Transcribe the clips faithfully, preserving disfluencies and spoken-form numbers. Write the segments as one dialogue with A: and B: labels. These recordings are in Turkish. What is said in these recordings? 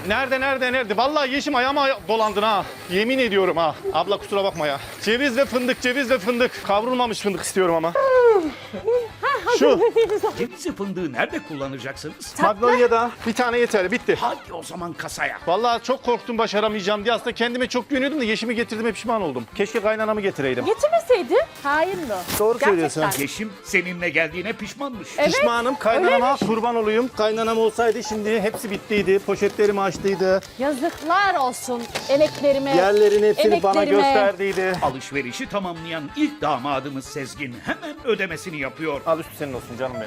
A: Nerede nerede nerede? Vallahi Yeşim ayağıma dolandın ha. Yemin ediyorum ha. Abla kusura bakma ya. Ceviz ve fındık, ceviz ve fındık. Kavrulmamış fındık istiyorum ama. Şu.
B: Cevizi fındığı nerede kullanacaksınız?
A: Magnolia'da bir tane yeter. Bitti.
B: Hadi o zaman kasaya.
A: Vallahi çok korktum başaramayacağım diye. Aslında kendime çok güveniyordum da Yeşim'i getirdiğime pişman oldum. Keşke kaynanamı getireydim.
C: Getirmeseydi. Hain mi?
A: Doğru
C: Gerçekten.
A: söylüyorsun.
B: Yeşim seninle geldiğine pişmanmış.
C: Evet,
A: Pişmanım. Kaynanama
C: öyleymiş.
A: kurban olayım. Kaynanam olsaydı şimdi hepsi bittiydi. Poşetlerimi açtıydı.
C: Yazıklar olsun emeklerime.
A: Yerlerin hepsini bana
C: emeklerime.
A: gösterdiydi.
B: Alışverişi tamamlayan ilk damadımız Sezgin hemen ödemesini yapıyor.
A: Al üstü senin olsun canım benim.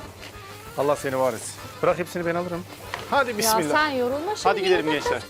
A: Allah seni var etsin. Bırak hepsini ben alırım. Hadi
C: Ya
A: bismillah.
C: sen yorulma şimdi.
A: Hadi gidelim gençler.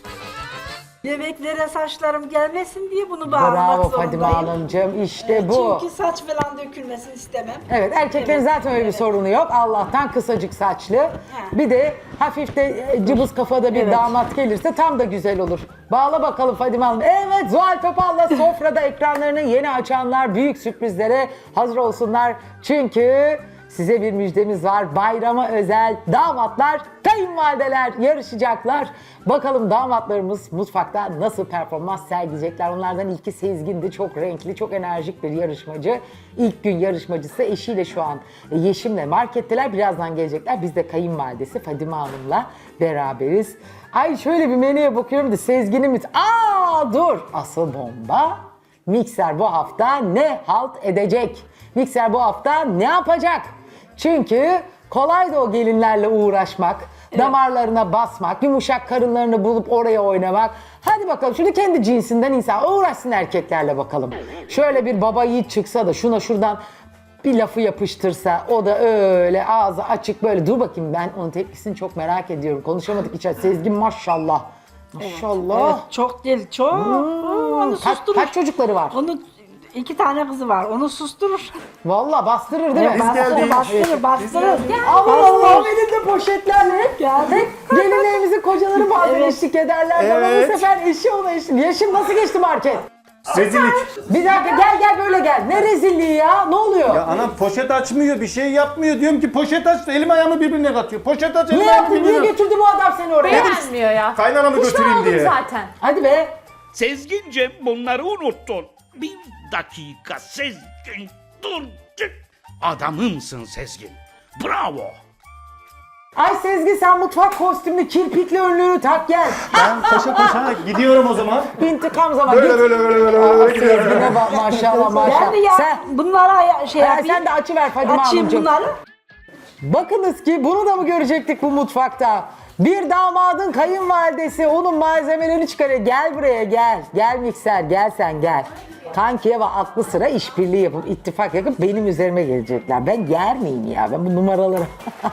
D: Yemeklere saçlarım gelmesin diye bunu bağlamak
E: Bravo
D: zorundayım.
E: Fadime Hanımcığım, işte bu.
D: Çünkü saç falan dökülmesini istemem.
E: Evet, erkeklerin
D: Evet,
E: zaten öyle bir
D: evet.
E: sorunu yok. Allah'tan kısacık saçlı. Bir de hafif de e, cıbız kafada bir
D: Evet.
E: damat gelirse tam da güzel olur. Bağla bakalım Fadime Hanım. Evet, Zuhal Topal'la sofrada ekranlarını yeni açanlar büyük sürprizlere hazır olsunlar. Çünkü size bir müjdemiz var. Bayrama özel damatlar, kayınvalideler yarışacaklar. Bakalım damatlarımız mutfakta nasıl performans sergileyecekler. Onlardan ilki Sezgin'di. Çok renkli, çok enerjik bir yarışmacı. İlk gün yarışmacısı eşiyle şu an Yeşim'le marketteler. Birazdan gelecekler. Biz de kayınvalidesi Fadime Hanım'la beraberiz. Ay şöyle bir menüye bakıyorum da Sezgin'imiz... Aa dur! Asıl bomba. Mikser bu hafta ne halt edecek? Mikser bu hafta ne yapacak? Çünkü kolay da o gelinlerle uğraşmak, damarlarına basmak, yumuşak karınlarını bulup oraya oynamak. Hadi bakalım şunu kendi cinsinden insan uğraşsın erkeklerle bakalım. Şöyle bir baba yiğit çıksa da şuna şuradan bir lafı yapıştırsa, o da öyle ağzı açık böyle. Dur bakayım, ben onun tepkisini çok merak ediyorum. Konuşamadık içeride. Sezgin maşallah. Maşallah.
D: Evet, çok değil, çok. Oo, onu
E: Kaç,
D: susturur.
E: kaç çocukları var?
D: Onu iki tane kızı var. Onu susturur.
E: Vallahi bastırır değil mi?
D: bastırır, bastırır, bastırır.
E: Aman Allah'ım, elinde poşetlerle hep,
D: Geldi.
E: hep gelinlerimizin kocaları bazen
D: Evet.
E: eşlik ederler. Bana
A: Evet.
E: bu sefer eşi ona eşlik. Yaşım nasıl geçti market?
A: Rezillik.
E: Bir dakika, gel gel böyle gel. Ne rezilliği ya? Ne oluyor?
A: Ya anam poşet açmıyor, bir şey yapmıyor. Diyorum ki poşet aç, elim ayağımı birbirine katıyor. Poşet aç, elim
E: Niye
A: ayağımı
E: yaptın? Niye
A: birbirine
E: götürdü bu adam seni oraya?
C: Beğenmiyor ya.
A: Kaynanamı
C: Pişman
A: götüreyim
C: oldum
A: diye.
C: zaten.
E: Hadi be.
B: Sezgincim bunları unuttun. Bir dakika Sezgin dur. Adamımsın Sezgin. Bravo.
E: Ay Sezgi, sen mutfak kostümlü kirpikli önlüğünü tak gel.
A: Ben koşa koşa gidiyorum o zaman.
E: İntikam zamanı.
A: Böyle
E: Git.
A: böyle böyle böyle
E: Aa,
A: böyle gidiyorum.
E: Sezgin'e bak maşallah
D: Ben
E: maşallah.
D: de ya
E: Sen,
D: bunlara ya- şey
E: Ha,
D: yapayım.
E: sen de açıver Fadime
D: Açayım
E: Hanımcığım.
D: bunları.
E: Bakınız ki bunu da mı görecektik bu mutfakta? Bir damadın kayınvalidesi onun malzemelerini çıkarıyor. Gel buraya gel. Gel mikser, gel sen gel. Kankiye ve aklı sıra işbirliği yapıp ittifak yapıp benim üzerime gelecekler. Ben yer miyim ya? Ben bu numaraları...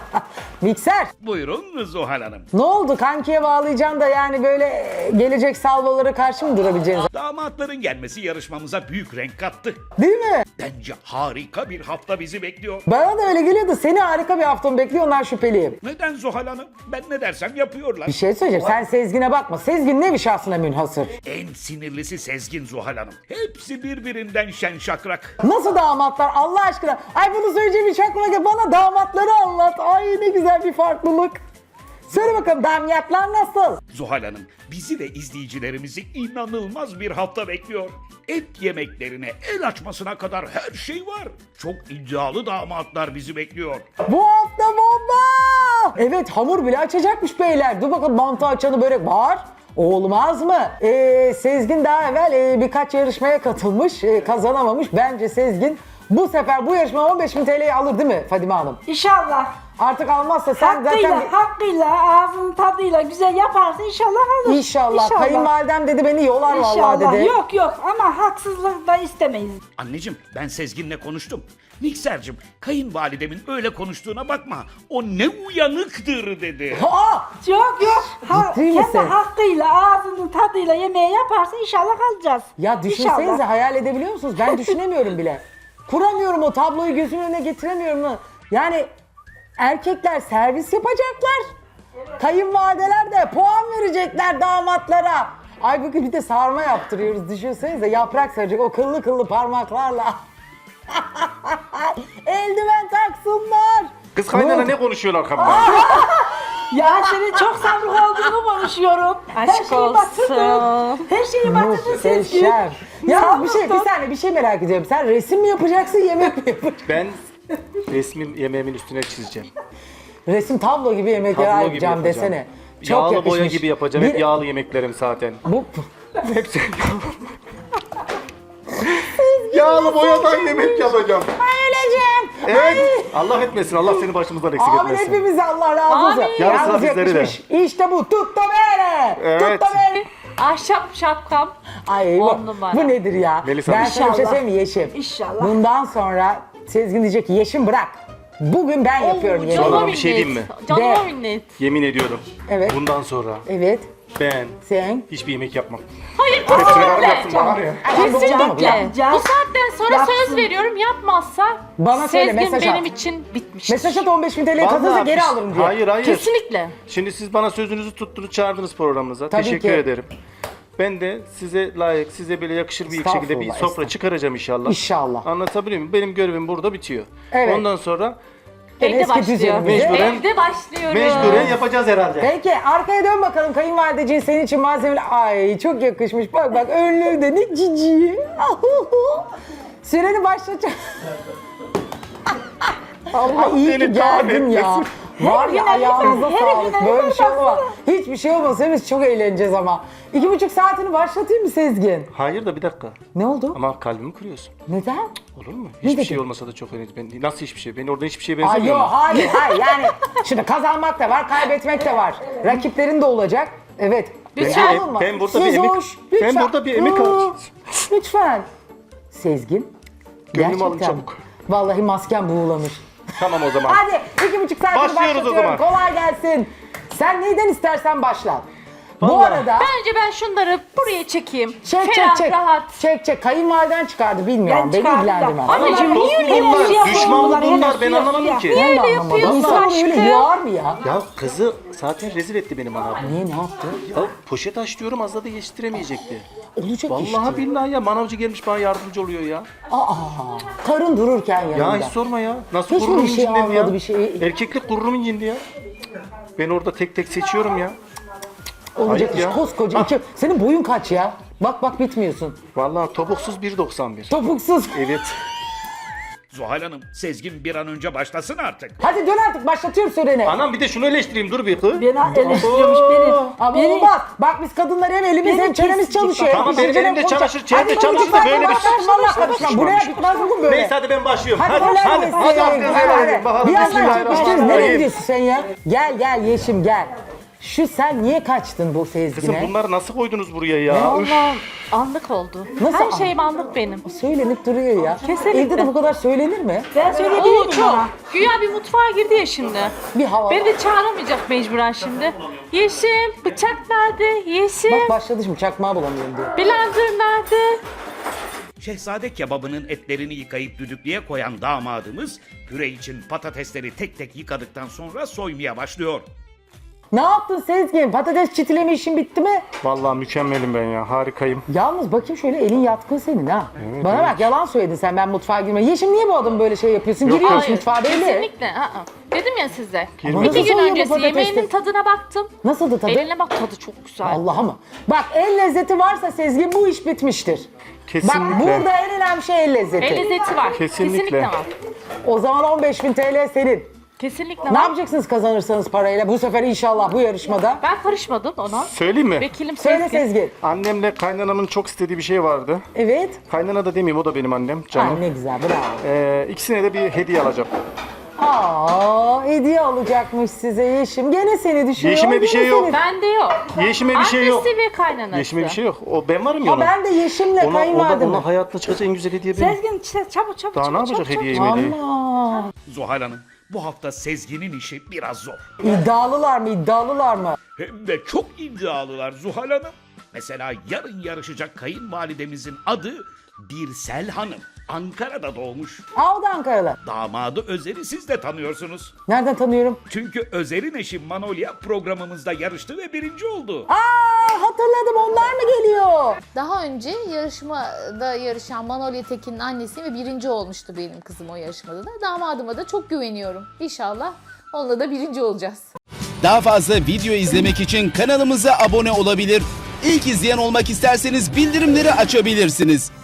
E: Mikser,
B: Buyurun Zuhal Hanım.
E: ne oldu? Kankiye bağlayacaksın da yani böyle e, gelecek salvalara karşı mı durabileceğiniz?
B: Damatların gelmesi yarışmamıza büyük renk kattı.
E: Değil mi?
B: Bence harika bir hafta bizi bekliyor.
E: Bana da öyle geliyor da seni harika bir hafta mı bekliyor, ondan şüpheliyim.
B: Neden Zuhal Hanım? Ben ne dersem yapıyorlar.
E: Bir şey söyleyeceğim. Sen Sezgin'e bakma. Sezgin ne bir şahsına münhasır.
B: En sinirlisi Sezgin Zuhal Hanım. Hepsi birbirinden şen şakrak.
E: Nasıl damatlar Allah aşkına? Ay bunu söyleyeceğim hiç aklıma gel. Bana damatları anlat. Ay ne güzel bir farklılık. Söyle bakalım damatlar nasıl?
B: Zuhal Hanım bizi ve izleyicilerimizi inanılmaz bir hafta bekliyor. Et yemeklerine, el açmasına kadar her şey var. Çok iddialı damatlar bizi bekliyor.
E: Bu hafta bomba! Evet, hamur bile açacakmış beyler. Dur bakalım, mantı açanı börek var. Olmaz mı? Ee, Sezgin daha evvel e, birkaç yarışmaya katılmış, e, kazanamamış. Bence Sezgin bu sefer bu yarışma on beş bin T L'yi alır değil mi Fadime Hanım?
D: İnşallah.
E: Artık almazsa sen
D: Hakkıyla,
E: zaten...
D: hakkıyla, ağzının tadıyla güzel yaparsa inşallah alır.
E: İnşallah. Kayınvalidem dedi beni yolar vallahi
D: İnşallah.
E: dedi.
D: Yok yok ama haksızlık da istemeyiz.
B: Anneciğim ben Sezgin'le konuştum. Miksercim kayınvalidemin öyle konuştuğuna bakma. O ne uyanıktır dedi.
E: Aa!
D: Yok yok. Ha,
E: Ciddi
D: kendi
E: misin?
D: hakkıyla, ağzının tadıyla yemeği yaparsa inşallah alacağız.
E: Ya düşünsenize,
D: İnşallah.
E: hayal edebiliyor musunuz? Ben düşünemiyorum bile. Kuramıyorum, o tabloyu gözümün önüne getiremiyorum. mu? Yani erkekler servis yapacaklar. Kayınvalideler de puan verecekler damatlara. Ay bugün bir de sarma yaptırıyoruz, düşünsenize, yaprak saracak o kıllı kıllı parmaklarla. Eldiven taksınlar.
A: Kız kaynana
E: Ne oldu?
A: ne konuşuyor arkamda?
D: Ya senin çok sabrı olduğunu konuşuyorum. Her
C: Aşk
D: şeyi batırdın.
C: olsun.
D: Her şeyi batırdın Sezgin.
E: Muhteşem. Ya bir şey, bir
D: Sabrı tut.
E: saniye bir şey merak ediyorum. Sen resim mi yapacaksın, yemek mi yapacaksın?
A: Ben resmim yemeğimin üstüne çizeceğim.
E: Resim tablo gibi yemekler
A: Tablo gibi
E: yapacağım
A: yapacağım.
E: desene. Çok
A: Yağlı
E: yakışmış.
A: boya gibi yapacağım.
E: Bir-
A: Hep yağlı yemeklerim zaten.
E: Bu
A: Hepsi yağlı boyadan yemek yapacağım.
E: öleceğim.
A: Evet. Allah etmesin. Allah seni başımızdan eksik
E: Amin
A: etmesin.
E: hepimize Allah razı olsun.
C: Amin.
E: Yalnız
A: Yarısı bizleri de.
E: yakışmış. İşte bu. Tutto bene.
A: Evet.
E: Tutto bene.
C: Ahşap şapkam.
E: Ay bu,
C: On numara.
E: bu nedir ya?
A: Melisa,
E: ben sana bir şey
D: İnşallah.
E: söyleyeyim mi Yeşim?
D: İnşallah.
E: Bundan sonra Sezgin diyecek ki Yeşim bırak. Bugün ben yapıyorum yemeği.
A: Canım.
C: Canıma
A: bir şey
C: minnet.
A: diyeyim mi?
C: Canıma
E: De.
C: minnet.
A: Yemin ediyorum.
E: Evet.
A: Bundan sonra
E: Evet.
A: ben
E: Sen.
A: hiçbir yemek yapmam.
C: Hayır
A: Hepsini bana yapsın
C: kesinlikle.
A: bana ne?
C: Kesinlikle.
D: Yapacağız.
C: Bu saatten sonra
D: Yapsın.
C: söz veriyorum, yapmazsa
E: Bana söyle,
C: Sezgin
E: mesaj
C: benim
E: at.
C: için bitmiştir.
E: Mesaj at on beş bin T L'yi kazanırsa
A: Vallahi
E: geri
A: biz-
E: alırım diye.
A: Hayır hayır.
C: Kesinlikle.
A: Şimdi siz bana sözünüzü tuttunuz, çağırdınız programınıza.
E: Tabii
A: Teşekkür
E: ki.
A: ederim. Ben de size layık, size böyle yakışır bir şekilde bir
E: Estağfurullah,
A: sofra
E: estağfurullah.
A: çıkaracağım inşallah.
E: İnşallah.
A: Anlatabiliyor muyum? Benim görevim burada bitiyor.
E: Evet.
A: Ondan sonra
E: En
C: Evde
E: eski
C: başlıyor.
E: düzenimize.
A: Mecburen-
C: Evde başlıyorum.
A: mecburen yapacağız herhalde.
E: Peki arkaya dön bakalım kayınvalideciğin senin için malzemeler. Ay çok yakışmış. Bak bak önlüğü de ne cici. Süreni başlatacağım. Allah iyi ki
A: seni
E: geldin ya.
A: kahretmesin.
E: Var ya
D: güne
E: ayağınıza
D: her
E: sağlık.
D: güne
E: Böyle bir şey
D: baksana.
E: olmaz. Hiçbir şey olmaz. Biz çok eğleneceğiz ama. İki buçuk saatini başlatayım mı Sezgin?
A: Hayır da bir dakika.
E: Ne oldu?
A: Ama kalbimi kırıyorsun.
E: Neden?
A: Olur mu?
E: Ne
A: Hiçbir
E: dedin?
A: şey olmasa da çok önemli. Ben, nasıl hiçbir şey? Ben orada hiçbir şeye
E: Ay
A: benzemiyorum.
E: yok hayır hayır yani şimdi kazanmak da var kaybetmek de var. Rakiplerin de olacak. Evet.
C: Lütfen.
E: Ya
A: Ben-
E: olma.
A: ben burada bir
E: Siz
A: emek-
E: hoş,
A: ben
E: lütfen.
A: burada bir emek
E: Hı,
A: alacağım.
E: Lütfen. Sezgin.
A: Gönlümü alın
E: gerçekten
A: çabuk.
E: Vallahi masken buğulamış.
A: Tamam o zaman.
E: Hadi iki buçuk saatini
A: Başlıyoruz o
E: başlatıyorum.
A: zaman.
E: Kolay gelsin. Sen neyden istersen başla. Bu
A: Vallahi.
E: arada
C: Bence ben şunları buraya çekeyim.
E: çek çek
C: Ferah
E: çek.
C: rahat.
E: Çek çek. Kayınvaliden çıkardı bilmiyorum.
D: Ben
E: Beni
D: çıkardım da.
E: ilgilendirmez.
C: Anneciğim,
A: Dost
C: niye
A: mu
C: öyle
A: bunlar?
C: yapıyorsun?
A: Düşman mı
D: Bunlar
A: bunlar?
D: hele
A: Ben
D: suya
A: anlamadım
D: suya.
A: ki.
E: Ben de
C: öyle
E: anlamadım.
C: yapıyorsun
E: İnsan öyle
C: aşkım?
E: yağar mı ya?
A: Ya kızı zaten rezil etti benim anam.
E: Niye ne yaptı?
A: Ya poşet aç diyorum az da yetiştiremeyecekti.
E: Olacak
A: Vallahi
E: işte.
A: billahi ya manavcı gelmiş bana yardımcı oluyor ya.
E: Aa, karın dururken yanında.
A: Ya hiç sorma ya. Nasıl
E: Hiç mi
A: gururum
E: bir şey
A: incindi ya?
E: almadı, bir şey-
A: Erkeklik gururum incindi ya. Ben orada tek tek seçiyorum ya.
E: Olacak
A: Ayıp
E: iş.
A: ya.
E: Koskoca
A: Ah.
E: iki. Senin boyun kaç ya? Bak bak bitmiyorsun.
A: Vallahi topuksuz bir doksan bir.
E: Topuksuz.
A: Evet.
B: Zuhal Hanım, Sezgin bir an önce başlasın artık.
E: Hadi dön artık başlatıyorum süreni.
A: Anam bir de şunu eleştireyim dur bir kız.
D: Beni eleştiriyormuş beni.
E: Ama
D: beni.
E: olmaz. Bak biz kadınlar hem elimiz
D: Beni
E: hem çenemiz
D: kesecek
E: çalışıyor.
A: Tamam,
E: Hem
A: benim
E: pişireceğim,
A: elimde
E: konuşacağım.
A: çamaşır, çevre
E: Hadi
A: çamaşır da
E: konuşma,
A: böyle bir-
E: başlatın, vallahi karışmam. Buraya bitmez bugün böyle.
A: Neyse hadi ben başlıyorum.
E: Hadi
A: Hadi
E: kolay
A: hadi.
E: gelsin.
A: Hadi
E: Hadi,
A: hadi.
E: hadi.
A: Bakalım
E: Bir yandan çekmiştiniz. Nereye
A: bismillahirrahmanirrahim.
E: gidiyorsun sen ya? Gel gel Yeşim gel. Şu sen niye kaçtın bu
A: Kızım
E: Sezgin'e?
A: bunları nasıl koydunuz buraya ya? Üf.
C: Allah'ım anlık oldu.
E: Nasıl
C: Her
E: anlık?
C: şeyim anlık benim.
E: Söylenip duruyor ya.
C: Kesinlikle.
E: Evde de bu kadar söylenir mi?
D: Ben
C: Oo
D: söyleyebilirim
C: çok.
D: ona.
C: Güya bir mutfağa girdi ya şimdi.
E: Bir hava.
C: Beni de çağıramayacak mecburen şimdi. Yeşim, bıçak nerede? Yeşim,
E: Bak başladı şimdi çakmağı bulamıyorum diyor.
C: blender nerede?
B: Şehzade kebabının etlerini yıkayıp düdüklüye koyan damadımız püre için patatesleri tek tek yıkadıktan sonra soymaya başlıyor.
E: Ne yaptın Sezgin? Patates çitileme işin bitti mi?
A: Vallahi mükemmelim ben ya. Harikayım.
E: Yalnız bakayım şöyle elin yatkın senin ha. Bana bak yalan söyledin sen ben mutfağa girmem. Yeşim niye bu adam böyle şey yapıyorsun? Giriyorsun
C: Hayır,
E: mutfağa belli.
C: kesinlikle. aa. Dedim ya size.
A: Girmedi.
C: İki gün
E: Nasıl soğuyor bu
C: öncesi
E: patatesler?
C: yemeğinin tadına baktım.
E: Nasıldı tadı?
C: Eline bak tadı çok güzel.
E: Allah'a mı? Bak el lezzeti varsa Sezgin bu iş bitmiştir.
A: Kesinlikle.
E: Bak burada en önemli şey el lezzeti.
C: El lezzeti var.
A: Kesinlikle.
C: Kesinlikle var.
E: O zaman on beş bin T L senin.
C: Kesinlikle
E: Ne
C: var.
E: yapacaksınız kazanırsanız parayla bu sefer inşallah bu yarışmada?
C: Ben karışmadım ona.
A: Söyleyeyim mi?
C: Vekilim
E: Söyle
C: Sezgin.
E: Sezgin.
A: Annemle kaynanamın çok istediği bir şey vardı.
E: Evet.
A: Kaynana da demeyeyim o da benim annem canım.
E: Ay ne güzel bravo.
A: Ee, ikisine de bir hediye alacağım.
E: Aa hediye alacakmış size Yeşim. Gene seni düşünüyor.
A: Yeşime bir
E: gene
A: şey yok.
E: seni-
C: Bende yok.
A: Yeşime bir şey yok.
C: Annesi ve kaynanası.
A: Yeşime bir şey yok. O ben varım ya
E: Ha
A: ona.
E: ben de Yeşim'le
A: Ona, ona,
E: kayınvalidem.
A: ona hayatına çıkacak en güzel hediye benim.
D: Sezgin işte çabuk çabuk
A: Daha
D: çabuk.
A: ne yapacak
D: çabuk,
A: hediyeyi hediyeyi?
E: Ama
B: Zuhal Hanım, bu hafta Sezgin'in işi biraz zor.
E: iddialılar mı iddialılar mı?
B: Hem de çok iddialılar Zuhal Hanım. Mesela yarın yarışacak kayınvalidemizin adı Birsel Hanım. Ankara'da doğmuş.
E: Aa o da Ankaralı.
B: Damadı Özer'i siz de tanıyorsunuz.
E: Nereden tanıyorum?
B: Çünkü Özer'in eşi Manolya programımızda yarıştı ve birinci oldu.
E: Aa hatırladım onlar mı geliyor?
F: Daha önce yarışmada yarışan Manolya Tekin'in annesi ve birinci olmuştu benim kızım o yarışmada da. Damadıma da çok güveniyorum. İnşallah onunla da birinci olacağız.
G: Daha fazla video izlemek için kanalımıza abone olabilir. İlk izleyen olmak isterseniz bildirimleri açabilirsiniz.